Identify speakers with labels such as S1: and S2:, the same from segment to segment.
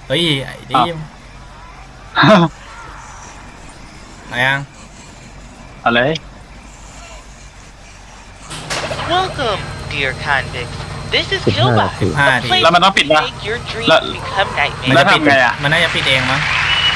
S1: เฮ้ยไอ้ดิมอะไรยัง
S2: อะไร
S3: Welcome, dear convicts. This is
S4: 15
S3: Killbot,
S4: นาที
S1: 5
S3: a
S1: นาที
S3: place
S2: แล้วมันต้องปิด
S3: to
S2: ปะ
S3: make your dreams
S2: Là-
S3: become
S1: มัน
S2: แล้
S3: nightmares.
S2: ว
S1: จะปิด
S2: ทำไงอะ
S1: มันน่าจะปิดเองมั้ง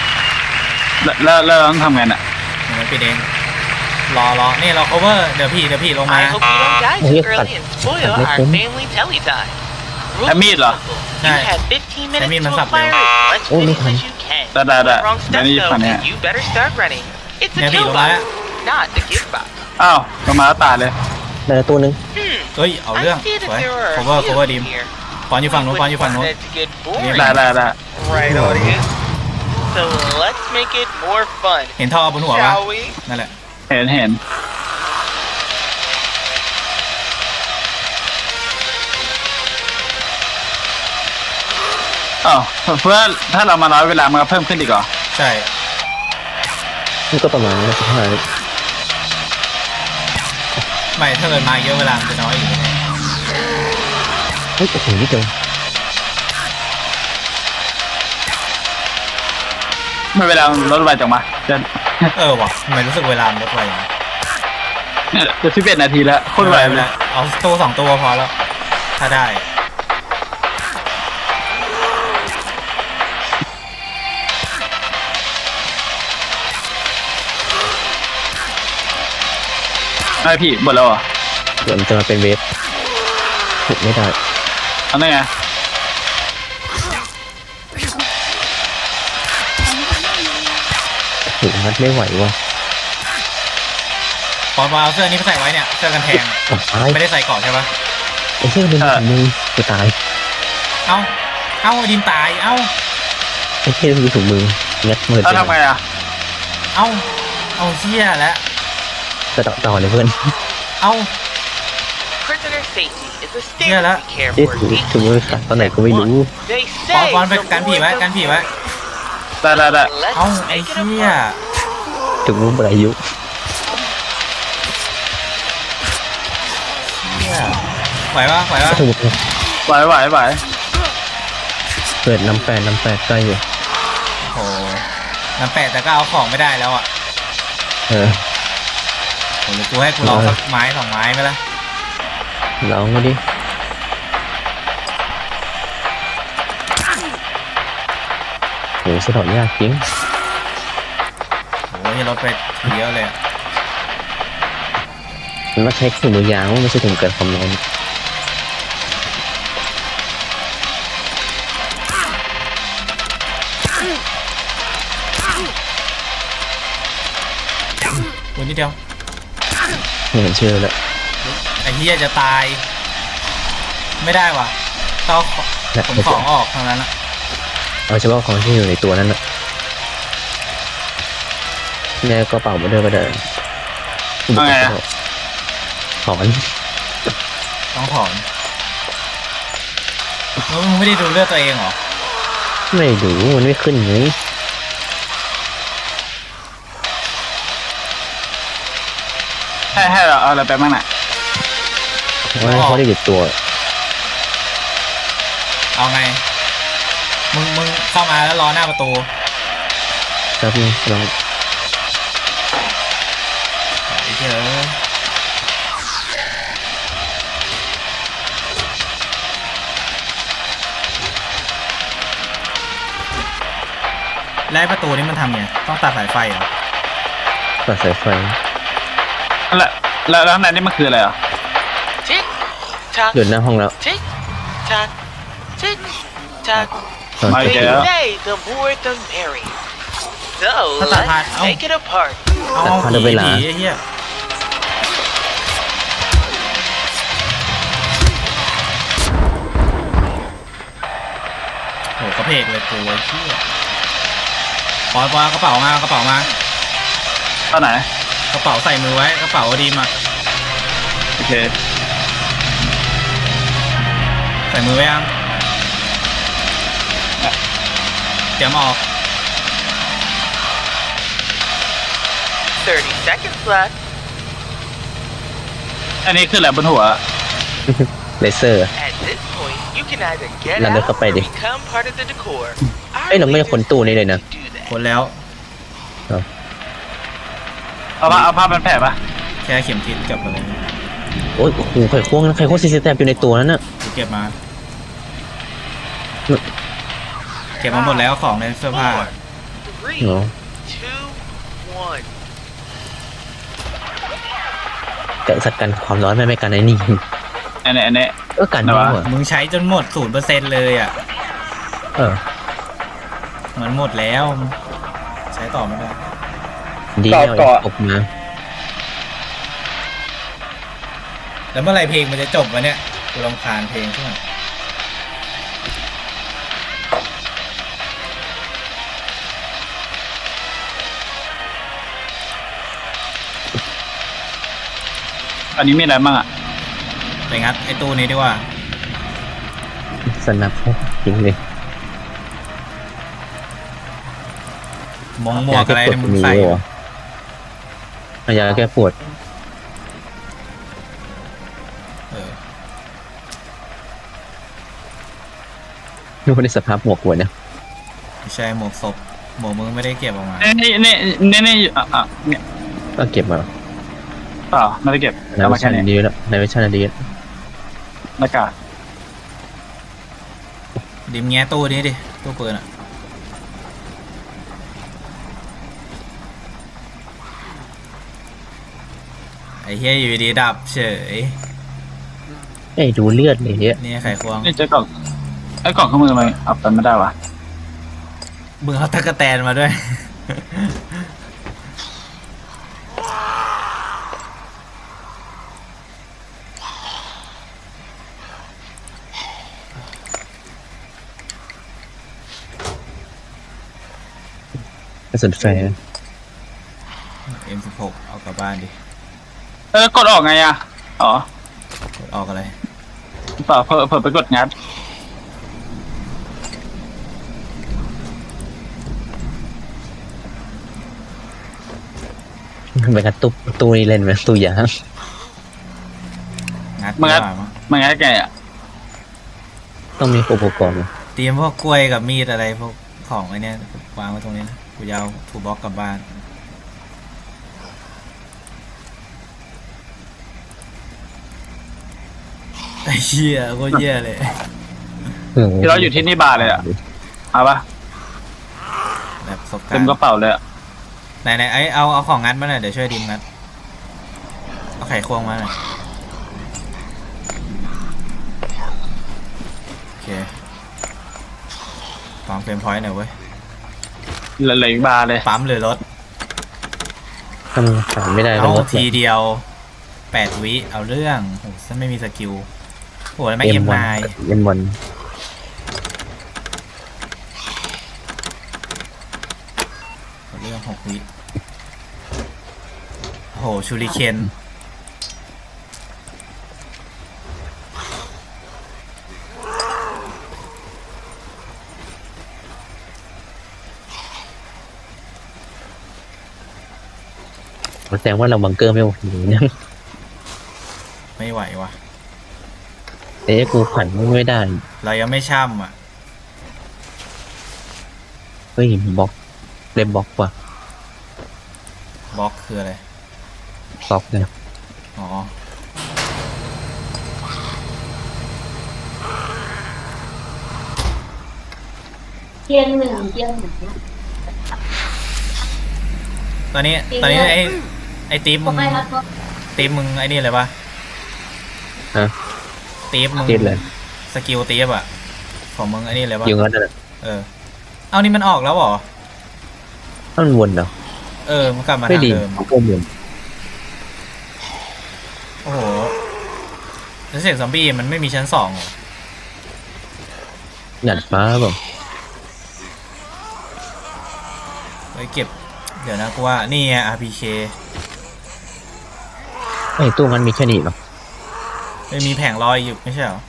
S2: แล้วต้องทำไงน่ะ
S1: มันปิดเองรอนี่เรา cover เดี๋ยวพี่ลงมา
S3: I hope you don't die
S4: Oh,
S3: too
S4: yeah,
S3: early and spoil
S4: cut
S3: our
S4: this.
S3: family telly time. Rules
S2: That meat
S3: are
S2: là-
S3: simple.
S1: Này.
S3: You have 15
S1: Cái
S3: minutes
S1: meat
S3: to
S1: nó sập
S3: acquire
S1: đều.
S3: as much
S4: Ôi,
S3: business
S4: mấy
S3: as you can.
S2: Đã, đã.
S3: One wrong
S2: Để
S3: step
S2: đi
S3: though,
S2: phần này.
S3: and you better start running. It's a
S1: Nè, bị lộn lại á.
S3: Killbot, not a Giftbot.
S2: อ้าวลงมาแล้วตายเลย
S4: ได้แล้วตัวหนึ่ง
S1: เฮ้ยเอาเรื่อง
S3: I see
S1: ส
S3: that
S1: วย
S3: there are a
S1: cover
S3: few
S1: cover
S3: of
S1: ดิ
S3: you
S1: ม
S3: here.
S1: ปอนอยู่ฝั่งนู้นปอนอยู่ฝั่งนู้น
S3: Want that to get boring.
S2: ได้
S3: Right, audience. So let's make it more fun,
S1: เห็นท่อบนหัวปะ
S3: shall we?
S1: นั่นแหละ
S2: เห็นอ้าวเพื่อถ้าเรามาน้อยเวลามันก็เพิ่มขึ้นอีกเหรอ
S1: ใช่
S4: นี่ก็ประมาณ15
S1: ไม่ถ้าเกิดมาเยอะเวลามันจะน้อยอยู่
S4: เฮ้ยโอ้โหนี่เดียว
S2: ไม่เวลามันลดไวจังมาจะ
S1: ว่ะทำไมรู้สึกเวลามันลดไวอย่างนี้
S2: จะ11 นาทีแล้วโคตรไวเลย
S1: เอาตัว2 ตัวพอแล้ว ถ้าได้
S2: ไม่พี่หมดแล้วเหรอ
S4: เดี๋ยวมันจะมาเป็นเวฟถูกไม่ได้
S2: เอาได้ไง
S4: ถูกมัดไม่ไหวว่ะ
S1: ปอนเอาเสื้อนี้ไปใส่ไว้เนี่ยเสื้อกันแทง
S4: อ่ะตาย
S1: ไม่ได้ใส่ก่อนใช่ปะ
S4: ไอ้เหี้ยเป็นของมึงกูตาย
S1: เอ้าดิมตายเอ้า
S4: ไอ้เหี้ยคือถุงมืองัดมือ
S2: แล้วทำไงอ่ะ
S1: เอาเชี่ยแล้ว
S4: จะต่อเลยเพื่อน
S1: เอ้า
S3: Prisoner safety is a
S1: Yeah,
S3: standard
S1: that-
S3: we care
S4: เอ๊ะ
S3: for.
S4: ถุงมือขาดตอนไหนก็ไม่รู้
S3: They
S1: ปอน
S3: say
S1: ไป
S3: the
S1: กันผี
S3: more
S1: ไว้
S3: the
S1: กันผีไว้
S2: ได้
S3: Let's
S1: เอ้าไอ้
S3: make it
S1: เชี่ย
S3: apart.
S4: ถุงมือหมดอายุ
S1: ไหวปะ
S4: ถุงมือ
S2: ไหว
S4: เกิดน้ำแปดใกล้อยู่
S1: โอ้น้ำแปะแต่ก็เอาของไม่ได้แล้วอ่ะ
S4: เออ
S1: โหหรือกูให้กูลองสักไม้2 ไม้ไหมล่ะ
S4: ลองมาดิโหสะดอกยากจริง
S1: โอ้ยลดไปเยอะเลยอะ
S4: มันมาใช้ถุงมือยางไม่ใช่ถุงเกิดความร้อน
S1: กูนิดเดียว
S4: ไม่เห็นชื่อแล้ว
S1: ไอ้เหี้ยจะตาย ไม่ได้ว่ะต้องขนของออกทางนั้นอะ
S4: เอาเฉพาะของที่อยู่ในตัวนั้นนะแม่กระเป๋ามาด้วยก็ได้
S2: เอาไงอะ
S4: ถอน
S1: ต้องถอนแล้วมึงไม่ได้ดูเลือดตัวเองเหรอ
S4: ไม่รู้มันไม่ขึ้นไง
S2: ให้เราเอาอะไรไปบ้างน่ะ
S4: ว่าเขาได้หยุดตัว
S1: เอาไง มึงเข้ามาแล้วรอหน้าประตู
S4: ครับนี่ลอง
S1: ไอ้เหี้ยแล้วไอ้ประตูนี้มันทำไงต้องตัดสายไฟเหรอ
S4: ตัดสายไฟ
S2: แล้วข้างในนี่มันคืออะไรอ่ะ
S3: Tick tock,
S4: หยุดหน้าห้องแล้ว
S3: tick tock, tick tock.
S4: ตอน
S2: ไม่
S3: They
S2: เจอ
S3: say the more the merry. So
S1: Thật là hạt,
S3: let's
S1: ông.
S3: make it apart.
S1: เอา
S4: ตัดผ่าน
S1: ผี
S4: เวลา
S1: ไอ้เหี้ยโหกระเพกเลยกูไอ้เหี้ยปอยกระเป๋ามากระเป๋ามา
S2: ตอนไหน
S1: กระเป๋าใส่มือไว้กระเป๋าดีมา
S2: โอเค
S1: ใส่มือไว้ยังเตรียมออก
S3: 30 seconds left.
S2: อันนี้คืออะไรบนหัว
S4: เลเซอร์
S3: At this point, You can either get
S4: นั่น
S3: out
S4: เดินเข้าไป
S3: or
S4: ดิ
S3: become part of the decor.
S4: เอ้ยเราไม่ได้คนตู้นี้เลยนะ
S3: Do that.
S1: คนแล้ว
S2: เอาผ้าเป็นแผลปะ
S1: แค่เข็มทิศกับอะไร
S4: โอ้ยโอ้โหไข่ควงซีซีแตบอยู่ในตัวนั้นน่ะ
S1: กูเก็บมา เก็บมาหมดแล้วของในเสื้อผ้า
S3: 4, 3,
S4: เหรอ
S3: 2, 1.
S4: แต่สัตว์กันความร้อนไม่กันไอ้นี่
S2: อันนี้
S4: กัน
S2: ไหน
S4: นี่
S2: วะ
S4: หว่า
S1: มึงใช้จนหมด 0%เลยอ่ะ
S4: เออ
S1: มันหมดแล้ว ใช้ต่อไม่ได้
S4: ดีแล้ว
S2: เกาะ
S4: ออกมา
S1: แล้วเมื่อไหรเพลงมันจะจบวะเนี่ยกูรำคาญเพลงใช่ไหม
S2: อันนี้มีอะไรบ้างอ่ะ
S1: ไปงัดไอ้ตู้นี้ดีกว่า
S4: สนับจริงเลย
S1: หมวกอะไรเนี่ยมึงใส่
S4: เหรอเอายาแก้ปวด
S1: เออ
S4: ดูในสภาพหมวกหัวเนี่ย
S1: ไม่ใช่หมวกศพหมวกมึงไม่ได้เก็บออกมา
S2: นี่เนี่ย
S4: ก็เก็บมา
S2: เปล่าไม่ได้เก็บ
S4: ใน
S2: เอา
S4: วิ
S2: มา
S4: ชา
S2: แค่นี้
S4: ดีแล้วในวิชาดี
S2: หน้ากาก
S1: ดิมแง้ตู้นี้ดิตู้ปืนอ่ะไอ้เฮียอยู่ดีดับเฉย
S4: เอ้ยดูเลือดเลยเนี่ย
S1: นี่ไขควง
S2: นี่เจอกล่องไอ้กล่องข้างมือมันเอาไปไม่ได้วะ
S1: มึงเอาตะกะแตนมาด้วย
S4: กระสุนแฟร์
S1: M16 เอากลับบ้านดิ
S2: กดออกไงอ่ะอ๋อก
S1: ดออกอะไร
S2: เปล่าเพิ่ไปกดงัด
S4: เป็นกระตุกตู้นี้เล่นไหมตู้ยา
S1: งัด
S2: มันงัด
S1: ดีกว่ามั้ง
S2: มันงัดไงอ่ะ
S4: ต้องมีอุปกรณ์
S1: เตรียมพวกกล้วยกับมีดอะไรพวกของไอ้เนี่ยวางไว้ตรงนี้นะกูจะเอาถูบล็อกกลับบ้าน ไอ้เหี้ยโคตรเหี้ยเลย
S2: ที่เราอยู่ที่นี่บาร์เลยอ่ะเอาปะ
S1: แบบประสบกา
S2: เต็
S1: ร
S2: ม
S1: ณ์
S2: กระเป๋าเลยอ่ะ
S1: ไหนไอ้เอาของงัดมาหน่อยเดี๋ยวช่วยดิมงัดเอาไขควงมาหน่อยโอเคปั๊มเฟรมพอยต์หน่อยเว้ย
S2: เหลืออีกบาร์เลย
S1: ปั๊มหรือรถ
S4: ทำขายไม่ได้
S1: เอา
S4: รถ
S1: ทีเดียว8 วิเอาเรื่องโอ้ฉันไม่มีสกิลโอ้แล้วไม่ M9
S4: M1
S1: เอาเรื่อง6 วิโอ้โหชูริเคน
S4: แสดงว่าเราบังเกอร์ไม่โอเคเนี่ย
S1: ไม่ไหววะ
S4: เอ๊ะกูขันไม่ได้
S1: เรายังไม่ช่ำอ่ะ
S4: เฮ้ยบล็อกเล่มบล็อกว่ะ
S1: บล็อกคืออะไร
S4: บล็อกเนี่ย
S1: อ๋อ
S5: เที่ยงหนึ่ง
S1: ตอนนี้ไอ้ตีฟมึง
S5: ไม่รับ
S1: ตีฟมึงไอ้นี่เลยปะ
S4: ฮะ
S1: ตีฟมึง
S4: ติดเลย
S1: สกิลตีฟอ่ะของมึงไอ้นี่เลยปะ
S4: ยิงงั้นน่ะ
S1: เออเอานี่มันออกแล้วเหรอ
S4: ถ้ามันวนเหรอ
S1: เออมันกลับมา
S4: ไม่
S1: ทาง
S4: ดี
S1: เดิม
S4: ก็วน
S1: โอ้โหแล้วเสียงซอมบี้มันไม่มีชั้น2เหรอ
S4: หยัดฟ้าเปล่า
S1: ไว้เก็บเดี๋ยวนะกูว่านี่ไง RPK
S4: ไอ้ตู้มันมีแค่นี้เหรอ
S1: ไม่มีแผงลอยอยู่ไม่ใช่เหรอ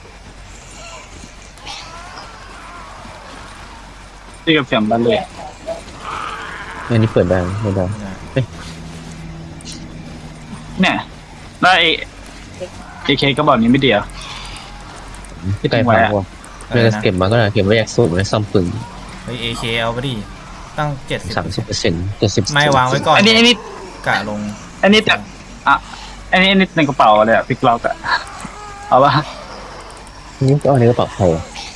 S2: ที่กับเสียงบันเลย
S4: อันนี้เปิดได้ไม่ได้
S2: เนี่ยแล้วไอ้เคก็บอกนี้ไม่เดียว
S4: ที่ไกลฟังว่ะเลือกเก็บมาก็ได้เก็บไว้แยกสูตรไว้ซ่อมปืน
S1: เฮ้ย AK เอาไปดิตั้ง70
S4: 30% 70
S1: ไม่วางไว้ก่อน
S2: อันนี้
S1: กะลง
S2: อันนี้แต่อ่ะอันนี้ในกระเป๋าเลยอะพลิกล็อกอะเอาปะ
S4: นี่ก็เอาในกระเป๋าใครอะ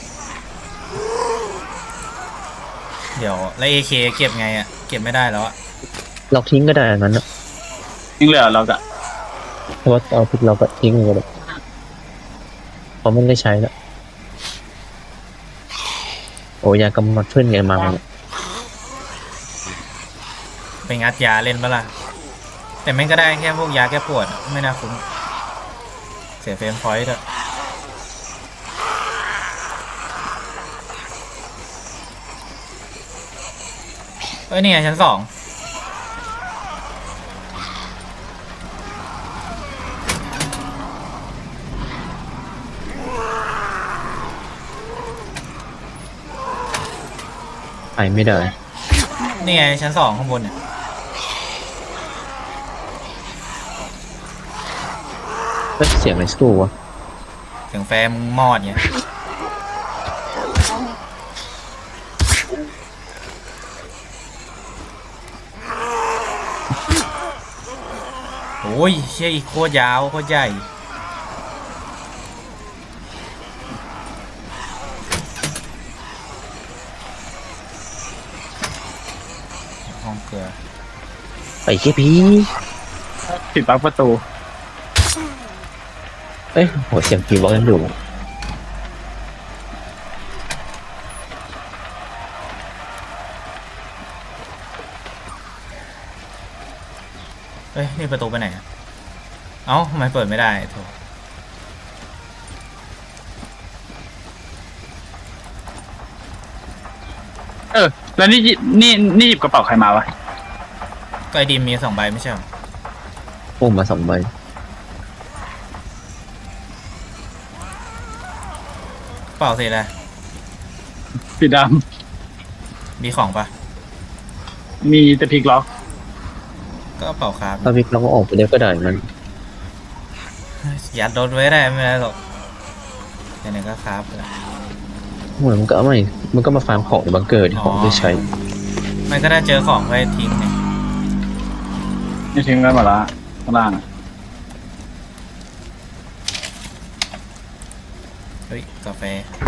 S1: เดี๋ยวแล้ว AK เก็บไงอะเก็บไม่ได้แล้วอะ
S4: เราทิ้งก็ได้อันนั้นนะ
S2: ยังเหลือล็อกอะ
S4: เพราะว่าเอาพวกเราก็ทิ้งเลยก็ได้เพราะมันได้ใช้แล้วโอ้ยากำมัดเพื่อนไงมาเนี่ย
S1: ไปงัดยาเล่นปะล่ะแต่แม่งก็ได้แค่พวกยาแก้ปวดอะไม่น่าคุ้มเสียเฟรมพอยต์อะเอ้ยนี่ไงชั้น 2
S4: ไปไม่ได้
S1: นี่ไงชั้น 2ข้างบนเนี่ย
S4: เสียงอะไรสู้วะ
S1: เสียงแฟร์มึงมอดเนี่ยโอ้ยเชี่ยอีกโคตรยาวโคตรใหญ่ห้องเกลือ
S4: ไปแค่พี
S2: ปิดปลั๊กประตู
S4: เอ้ยโหเสียงพีบอกกันอยู่
S1: เอ้ยนี่ประตูไปไหนอะเอ้าทำไมเปิดไม่ได้โถ
S2: แล้วนี่หยิบกระเป๋าใครมาวะ
S1: ก็ไอดีมมี2 ใบไม่ใช่เหรอ
S4: พุ่มมา2 ใบ
S1: เปล่าสิอะไร
S2: สีด
S1: มีของปะ
S2: ำมีแต่พลิกล็อก
S1: ก็เปล่าครับ
S4: ถ้าวิกเราก็ออกไปได้ก็ได้มัน
S1: ยัดรถไว้ได้ไม่ได้หรอกไหนๆก็ครับไปละ
S4: เหมือนมันก็ไม่มันก็มาฟาร์มของในบังเกอร์ที่ของไม่ใช้
S1: มันก็ได้เจอของไว้ทิ้งไง
S2: นี่ทิ้งไว้หมดละข้างล่างอะ
S1: เฮ้ยกาแฟ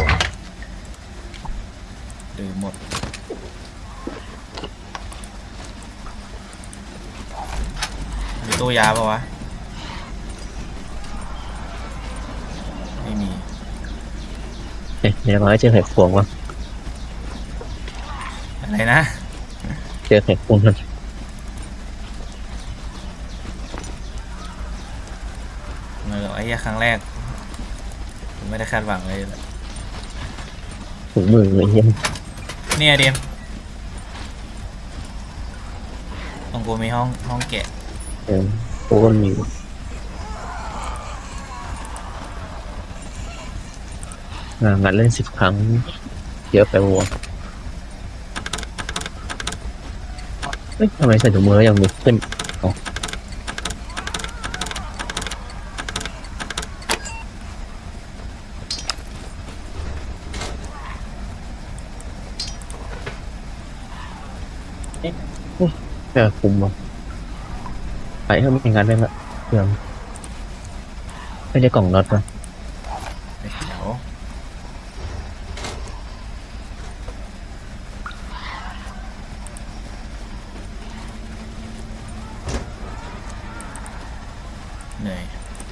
S1: ดื่มหมดมีตู้ยาปะวะไม่มี
S4: เฮ้ยเดี๋ยวเราให้เจอไข่ควงวะ
S1: อะไรนะ
S4: เจอไข่ควงมัน
S1: ไม่หรอกไอ้เหี้ยครั้งแรกผมไม่ได้คาดหวังเลย
S4: ถุงมือเลยเฮีย
S1: เนี่ยเดมตรงกูมีห้องแกะ
S4: โอ้ก็มีงานเล่น10 ครั้งเยอะไปวัวเฮ้ยทำไมใส่ถุงมือแล้วยังมีขึ้นอ๋อเจอคุมว่ะไปให้มันงานได้ละเพื่อนไม่ได้กล่องน็อตป่ะ
S1: เดี๋ยวเหนื่อย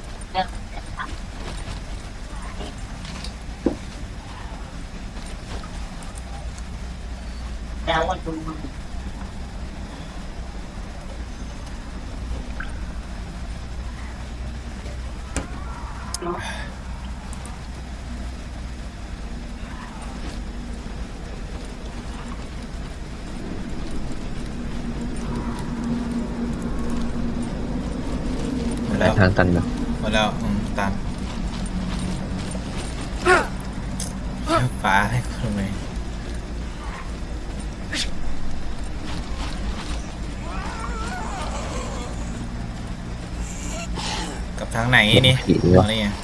S1: หมดแล้ว
S4: ทางตันนะ
S1: หมดแล้วตามฟ้าให้คุณไหมกับทางไหนนี่
S4: ผี
S1: ต
S4: วะ
S1: อนนี้